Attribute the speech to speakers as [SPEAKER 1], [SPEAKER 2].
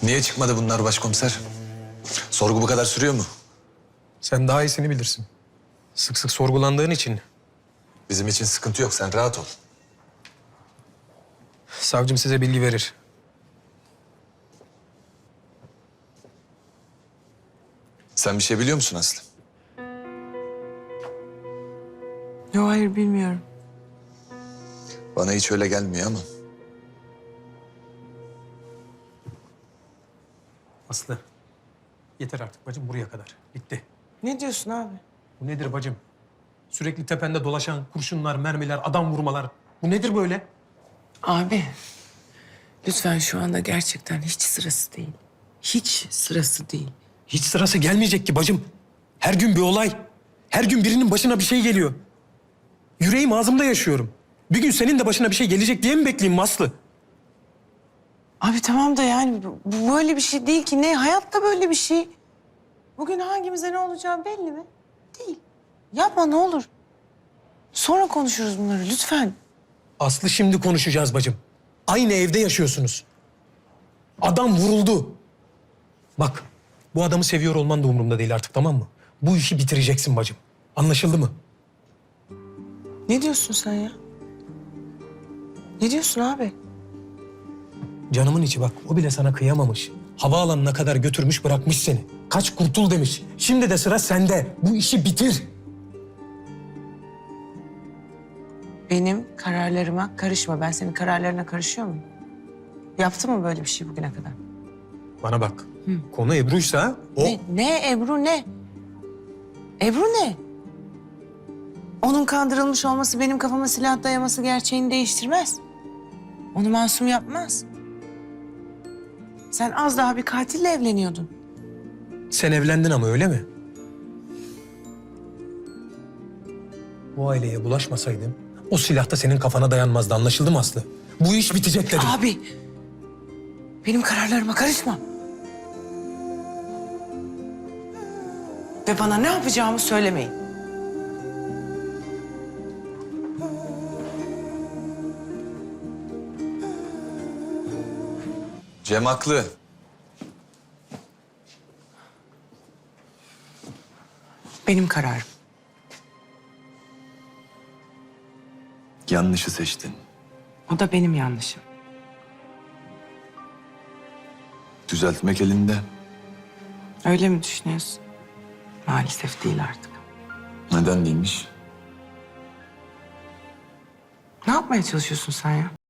[SPEAKER 1] Niye çıkmadı bunlar başkomiser? Sorgu bu kadar sürüyor mu?
[SPEAKER 2] Sen daha iyisini bilirsin. Sık sık sorgulandığın için.
[SPEAKER 1] Bizim için sıkıntı yok, sen rahat ol.
[SPEAKER 2] Savcım size bilgi verir.
[SPEAKER 1] Sen bir şey biliyor musun Aslı?
[SPEAKER 3] Yok, hayır bilmiyorum.
[SPEAKER 1] Bana hiç öyle gelmiyor ama.
[SPEAKER 2] Aslı. Yeter artık bacım, buraya kadar. Bitti.
[SPEAKER 3] Ne diyorsun abi?
[SPEAKER 2] Bu nedir bacım? Sürekli tepende dolaşan kurşunlar, mermiler, adam vurmalar. Bu nedir böyle?
[SPEAKER 3] Abi, lütfen şu anda gerçekten hiç sırası değil. Hiç sırası değil.
[SPEAKER 2] Hiç sırası gelmeyecek ki bacım. Her gün bir olay. Her gün birinin başına bir şey geliyor. Yüreğim ağzımda yaşıyorum. Bir gün senin de başına bir şey gelecek diye mi bekleyeyim Aslı?
[SPEAKER 3] Abi tamam da yani bu böyle bir şey değil ki. Ne? Hayatta böyle bir şey. Bugün hangimize ne olacağı belli mi? Değil. Yapma ne olur. Sonra konuşuruz bunları lütfen.
[SPEAKER 2] Aslı, şimdi konuşacağız bacım. Aynı evde yaşıyorsunuz. Adam vuruldu. Bak, bu adamı seviyor olman da umurumda değil artık, tamam mı? Bu işi bitireceksin bacım. Anlaşıldı mı?
[SPEAKER 3] Ne diyorsun sen ya? Ne diyorsun abi?
[SPEAKER 2] Canımın içi bak, o bile sana kıyamamış. Havaalanına kadar götürmüş, bırakmış seni. Kaç kurtul demiş. Şimdi de sıra sende. Bu işi bitir.
[SPEAKER 3] Benim kararlarıma karışma. Ben senin kararlarına karışıyor muyum? Yaptı mı böyle bir şey bugüne kadar?
[SPEAKER 2] Bana bak. Konu Ebru'ysa o...
[SPEAKER 3] Ne Ebru ne? Ebru ne? Onun kandırılmış olması benim kafama silah dayaması gerçeğini değiştirmez. Onu masum yapmaz. Sen az daha bir katille evleniyordun.
[SPEAKER 2] Sen evlendin ama, öyle mi? Bu aileye bulaşmasaydın o silah da senin kafana dayanmazdı, anlaşıldı mı Aslı? Bu iş bitecek dedim.
[SPEAKER 3] Abi, benim kararlarıma karışma. Ve bana ne yapacağımı söylemeyin.
[SPEAKER 1] Cem haklı.
[SPEAKER 3] Benim kararım.
[SPEAKER 1] Yanlışı seçtin.
[SPEAKER 3] O da benim yanlışım.
[SPEAKER 1] Düzeltmek elinde.
[SPEAKER 3] Öyle mi düşünüyorsun? Maalesef değil artık.
[SPEAKER 1] Neden değilmiş?
[SPEAKER 3] Ne yapmaya çalışıyorsun sen ya?